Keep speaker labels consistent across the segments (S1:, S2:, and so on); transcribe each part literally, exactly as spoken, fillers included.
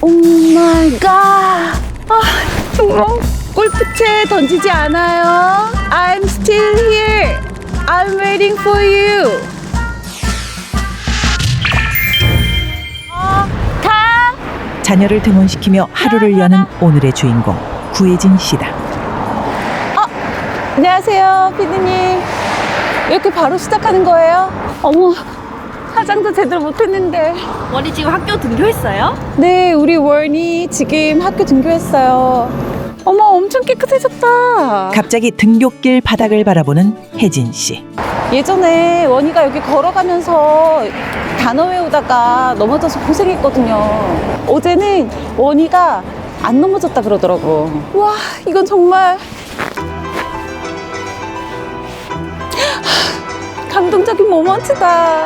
S1: 오 마이 갓. 아, 정말 골프채 던지지 않아요. I'm still here. I'm waiting for you. 어, 가.
S2: 자녀를 등원시키며 하루를 여는 오늘의 주인공 구혜진 씨다.
S1: 안녕하세요, 피디님. 이렇게 바로 시작하는 거예요? 어머, 화장도 제대로 못했는데.
S3: 원희 지금 학교 등교했어요?
S1: 네, 우리 원이 지금 학교 등교했어요. 어머, 엄청 깨끗해졌다.
S2: 갑자기 등굣길 바닥을 바라보는 혜진 씨.
S1: 예전에 원이가 여기 걸어가면서 단어 외우다가 넘어져서 고생했거든요. 어제는 원이가 안 넘어졌다 그러더라고. 와, 이건 정말 감동적인 모먼트다.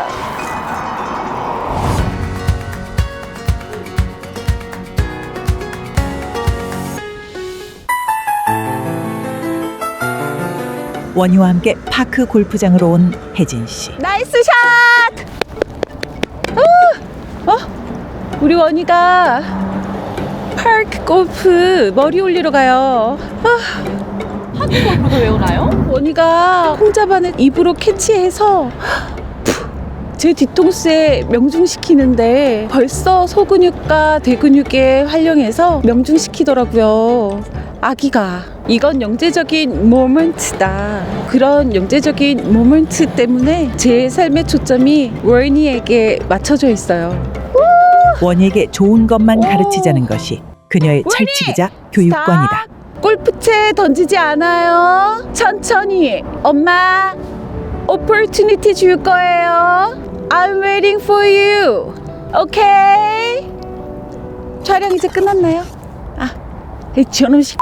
S2: 원희와 함께 파크 골프장으로 온 혜진 씨.
S1: 나이스 샷! 어? 어? 우리 원희가 파크 골프 머리 올리러 가요. 아.
S3: 학교 골프가 왜 오나요?
S1: 원희가 홍자반을 입으로 캐치해서 푹 제 뒤통수에 명중시키는데 벌써 소근육과 대근육에 활용해서 명중시키더라고요. 아기가. 이건 영재적인 모먼트다. 그런 영재적인 모먼트 때문에 제 삶의 초점이 원희에게 맞춰져 있어요.
S2: 원희에게 좋은 것만 가르치자는 것이 그녀의 철칙이자 교육관이다.
S1: 스탑. 골프채 던지지 않아요. 천천히. 엄마, 오퍼튜니티 줄 거예요. I'm waiting for you. 오케이? 촬영 이제 끝났나요? 아, 이 저놈식.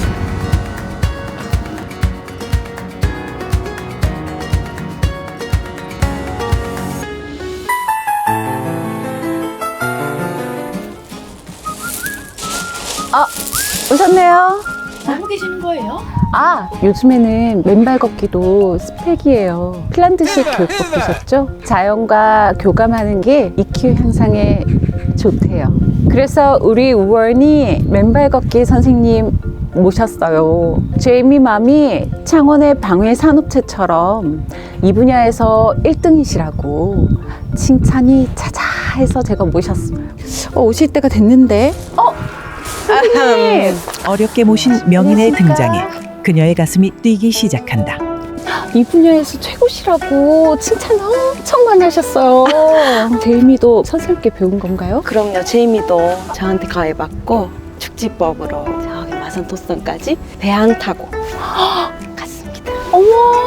S1: 아, 오셨네요.
S3: 하고 계시는 거예요?
S1: 아, 요즘에는 맨발 걷기도 스펙이에요. 핀란드식 교육법 보셨죠? 자연과 교감하는 게 이큐 향상에 좋대요. 그래서 우리 원이 맨발 걷기 선생님 모셨어요. 제이미 맘이 창원의 방회 산업체처럼 이 분야에서 일 등이시라고 칭찬이 자자해서 제가 모셨어요. 어, 오실 때가 됐는데. 어? 선생님!
S2: 어렵게 모신 명인의 등장에 그녀의 가슴이 뛰기 시작한다.
S1: 이 분야에서 최고시라고 칭찬 엄청 많이 하셨어요. 제이미도 선생님께 배운 건가요?
S4: 그럼요. 제이미도 저한테 가해받고 축지법으로 저기 마산 도성까지 배항 타고 갔습니다.
S1: 어머,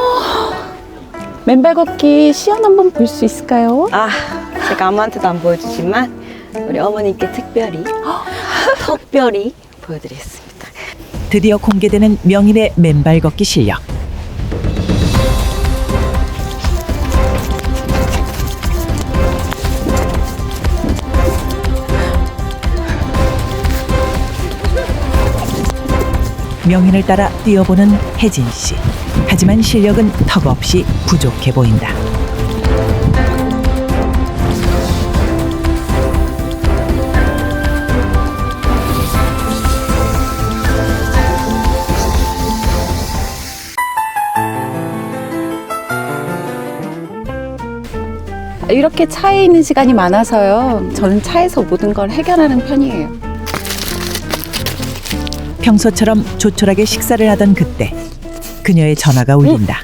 S1: 맨발 걷기 시연 한번 볼 수 있을까요?
S4: 아, 제가 아무한테도 안 보여주지만 우리 어머님께 특별히 특별히 보여드리겠습니다.
S2: 드디어 공개되는 명인의 맨발 걷기 실력. 명인을 따라 뛰어보는 혜진 씨. 하지만 실력은 턱없이 부족해 보인다.
S1: 이렇게 차에 있는 시간이 많아서요. 저는 차에서 모든 걸 해결하는 편이에요.
S2: 평소처럼 조촐하게 식사를 하던 그때 그녀의 전화가 울린다.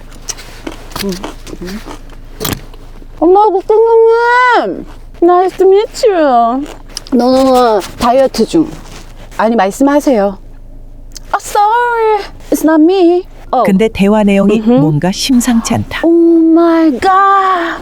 S1: 엄마, 국장님! Nice to meet you. 너는 다이어트 중. 아니, 말씀하세요. Oh, sorry. It's not me. 어.
S2: 근데 대화 내용이
S1: 음흠.
S2: 뭔가 심상치 않다.
S1: Oh my god.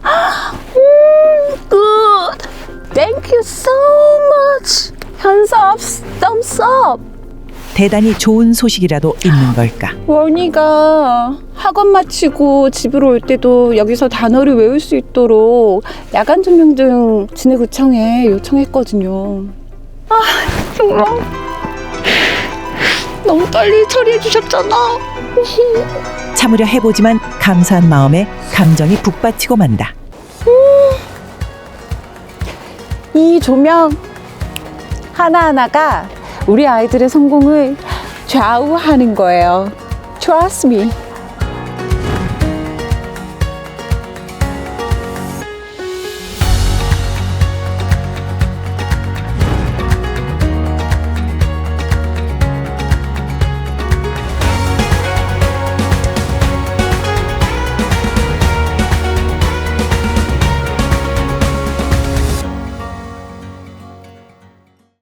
S1: 음, good. Thank you so much. Hands up, thumbs up.
S2: 대단히 좋은 소식이라도 있는 걸까?
S1: 원희가 학원 마치고 집으로 올 때도 여기서 단어를 외울 수 있도록 야간 조명 등 진해구청에 요청했거든요. 아, 정말 너무 빨리 처리해 주셨잖아.
S2: 참으려 해보지만 감사한 마음에 감정이 북받치고 만다.
S1: 이 조명 하나하나가 우리 아이들의 성공을 좌우하는 거예요. Trust me.